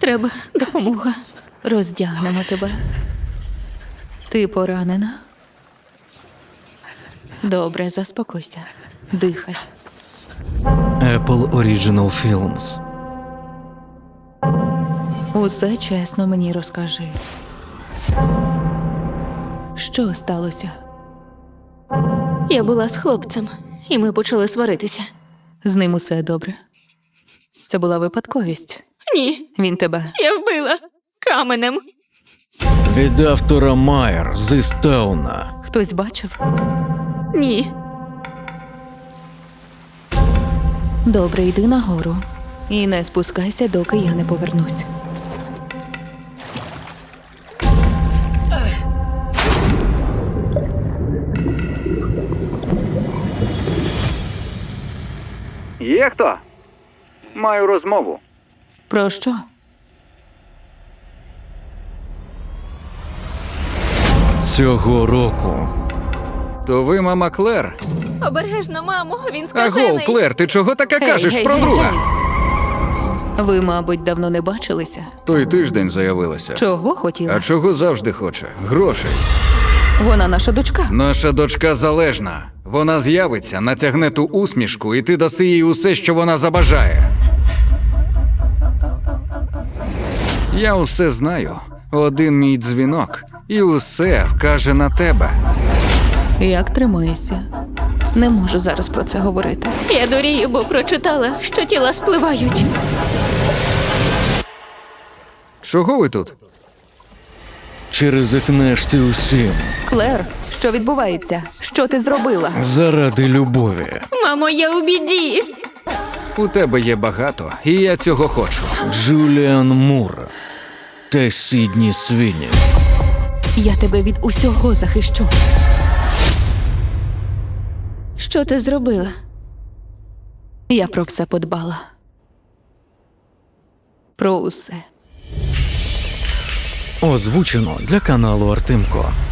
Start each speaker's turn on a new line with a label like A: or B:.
A: Треба допомога.
B: Роздягнемо тебе. Ти поранена? Добре, заспокойся. Дихай.
C: Apple Original Films.
B: Усе чесно мені розкажи. Що сталося?
A: Я була з хлопцем, і ми почали сваритися.
B: З ним усе добре? Це була випадковість.
A: Ні,
B: Він тебе...
A: я вбила каменем.
C: Від автора Майер з Істауна.
B: Хтось бачив?
A: Ні.
B: Добре, йди нагору. І не спускайся, доки я не повернусь.
D: Є хто? Маю розмову.
B: Про що?
C: Цього року.
D: То ви мама Клер?
A: Обережно, мамо, він скажений.
D: Агов, Клер, ти чого таке кажеш
B: Гей,
D: про
B: гей,
D: друга?
B: гей. Ви, мабуть, давно не бачилися.
D: Той тиждень заявилася.
B: Чого хотіла?
D: А чого завжди хоче? Грошей.
B: Вона наша дочка.
D: Наша дочка залежна. Вона з'явиться, натягне ту усмішку, і ти даси їй усе, що вона забажає. Я усе знаю. Один мій дзвінок, і усе вкаже на тебе.
B: Як тримаєшся? Не можу зараз про це говорити.
A: Я дурію, бо прочитала, що тіла спливають.
D: Чого ви тут?
C: Чи ризикнеш ти усім
B: Клер, що відбувається? Що ти зробила?
C: заради любові?
A: Мамо, я у біді.
D: У тебе є багато, і я цього хочу.
C: Джуліан Мур та Сідні Свіні.
B: Я тебе від усього захищу.
A: Що ти зробила?
B: Я про все подбала. Про усе.
C: Озвучено для каналу Артемко.